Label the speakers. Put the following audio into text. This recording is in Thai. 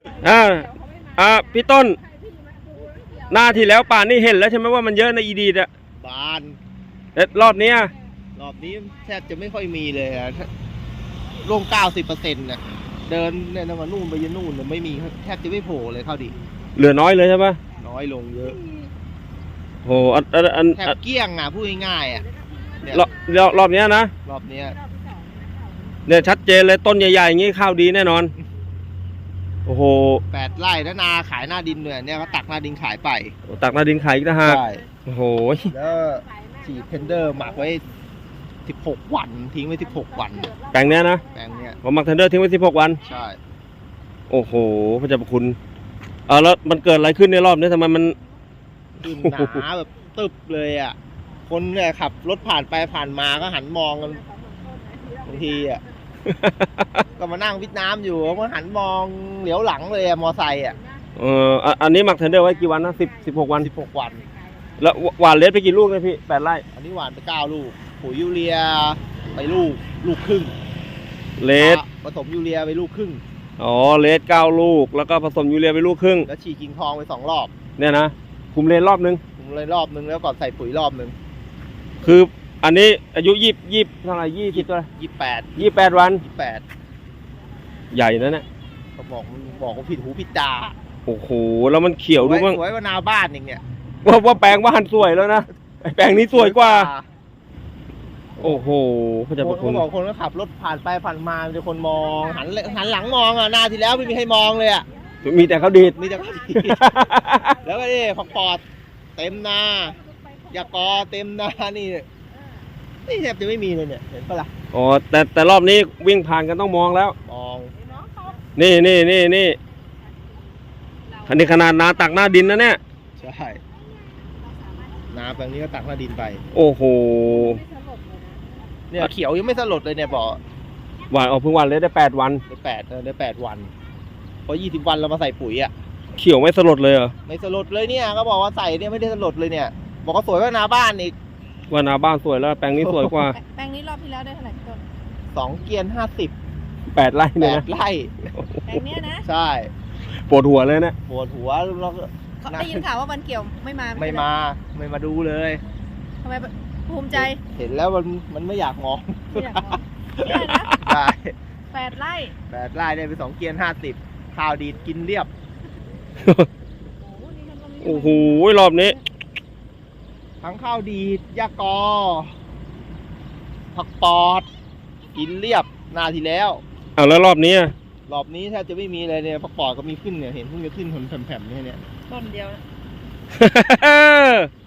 Speaker 1: พี่ต้นหน้าที่แล้วป่านนี่เห็นแล้วใช่ไหมว่ามันเยอะในอีดีดอะ
Speaker 2: บาน
Speaker 1: แต่รอบนี้
Speaker 2: แทบจะไม่ค่อยมีเลยอะลง90%นะเดินเนี่ยตั้งแต่นู่นไปยันนู่นไม่มีแทบจะไม่โผล่เลยเข้าดิ
Speaker 1: เหลือน้อยเลยใช่ปะ
Speaker 2: น้อยลงเยอะ
Speaker 1: โห
Speaker 2: แทบเกี้ยงอ่ะพูดง่ายๆอ่ะ
Speaker 1: รอบนี้นะ
Speaker 2: รอบนี้
Speaker 1: เนี่ยชัดเจนเลยต้นใหญ่ๆอย่างงี้ข้าวดีแน่นอนโอ้โห
Speaker 2: 8 ไร่แล้วนาขายหน้าดินเนี่ยก็ตักหน้าดินขายไป
Speaker 1: ตักหน้าดินขายอีกนะฮะ
Speaker 2: ใช่
Speaker 1: โอ้โห
Speaker 2: แล้วฉีดเทนเดอร์หมักไว้16 วันทิ้งไว้16 วัน
Speaker 1: แปลงเนี้ยนะ
Speaker 2: แปลงเนี้ย
Speaker 1: ผมหมักเทนเดอร์ทิ้งไว้16 วัน
Speaker 2: ใช่
Speaker 1: โอ้โหพระเจ้าพระคุณแล้วมันเกิดอะไรขึ้นในรอบนี้ทำไมมัน
Speaker 2: หนาแบบตึบเลยอ่ะคนเนี่ยขับรถผ่านไปผ่านมาก็หันมองกันบางทีอ่ะก็มานั่งวิทน้ำอยู่ก็หันมองเหลียวหลังเลยอะมอไซค์อ่ะ
Speaker 1: อันนี้หมักเทนเดอร์ไว้กี่วันนะ16 วัน
Speaker 2: 16 วัน
Speaker 1: แล้วหวานเลสไปกี่ลูกนะพี่8 ไร่
Speaker 2: อันนี้หวานไป9 ลูกปุ๋ยยูเรียไปลูกครึ่ง
Speaker 1: เลส
Speaker 2: ผสมยูเรียไปลูกครึ่ง
Speaker 1: เลส9 ลูกแล้วก็ผสมยูเรียไปลูกครึ่ง
Speaker 2: แล้วฉีดกิ่งทองไป2 รอบ
Speaker 1: เนี่ยนะคุมเลนรอบนึง
Speaker 2: แล้วก่อนใส่ปุ๋ยรอบนึง
Speaker 1: คืออันนี้อายุ20เท่าไหร่20ตัว28 วันใหญ่นะเนี่ย
Speaker 2: เขาบอกว่าผิดหูผิดตา
Speaker 1: โอ้โหแล้วมันเขียวดูมั้ง
Speaker 2: สวยกว่านาบ้านเองเนี่ย
Speaker 1: ว่าแปลงบ้านสวยแล้วนะแปลงนี้สวยกว่าโอ้โหเขาจะ
Speaker 2: บอกคนก็ขับรถผ่านไปผ่านมามีคนมองหันหลังมองอ่ะนาที่แล้วไม่มีใครมองเลยอ่ะ
Speaker 1: มีแต่เขาดีด
Speaker 2: แล้วก็นี่ผักปอดเต็มนายากอเต็มนานี่แทบจะไม่มีเลยเนี่ยเห็นปะล่ะ
Speaker 1: แต่รอบนี้วิ่งผ่านกันต้องมองแล้ว
Speaker 2: มอง
Speaker 1: นี่อันนี้ขนาดนาตักหน้าดินนะเนี่ย
Speaker 2: ใช่นาแปลงนี้ก็ตักหน้าดินไป
Speaker 1: โอ้โห
Speaker 2: เนี่ยเขียวยังไม่สลดเลยเนี่ยบอก
Speaker 1: หวานเพิ่งวันเลยได้8 วัน
Speaker 2: ได้8 วันพอ20 วันเรามาใส่ปุ๋ยอ่ะ
Speaker 1: เขียวไม่สลดเลยเหรอ
Speaker 2: ไม่สลดเลยเนี่ยก็บอกว่าใส่เนี่ยไม่ได้สลดเลยเนี่ยบอกว่าสวยกว่านาบ้านอีก
Speaker 1: ว่านาบ้านสวยแล้วแปลงนี้สวยกว่า
Speaker 3: แปลงนี้รอบที่แล้วได้เท่าไหร่ต้น
Speaker 2: 2 เกียน50
Speaker 1: 8 ไร่เนี่ย
Speaker 2: 8 ไร่
Speaker 3: แปลงนี้นะ
Speaker 2: ใช่
Speaker 1: ปวดหัวเลยนะ
Speaker 2: ปวดหัวเรา
Speaker 3: ได้ยินข่าวว่าวันเกี่ยวไม่
Speaker 2: มาดูเลย
Speaker 3: ทำไมภูมิใจ
Speaker 2: เห็นแล้วมันไม่อยากมอง
Speaker 3: ได้นะ
Speaker 2: ใช่
Speaker 3: 8 ไร่
Speaker 2: ได้ไป2 เกียน50ข้าวดีดกินเรียบ
Speaker 1: โอ้โหรอบนี้
Speaker 2: ทั้งข้าวดีดยากอผักปอดกินเรียบนาที่แล้ว
Speaker 1: แล้วรอบนี้
Speaker 2: แทบจะไม่มีเลยเนี่ยผักปอดก็มีขึ้นเนี่ยเห็นเพิ่งจะขึ้นผลแผ่มๆเนี่ย
Speaker 3: ต้นเดียว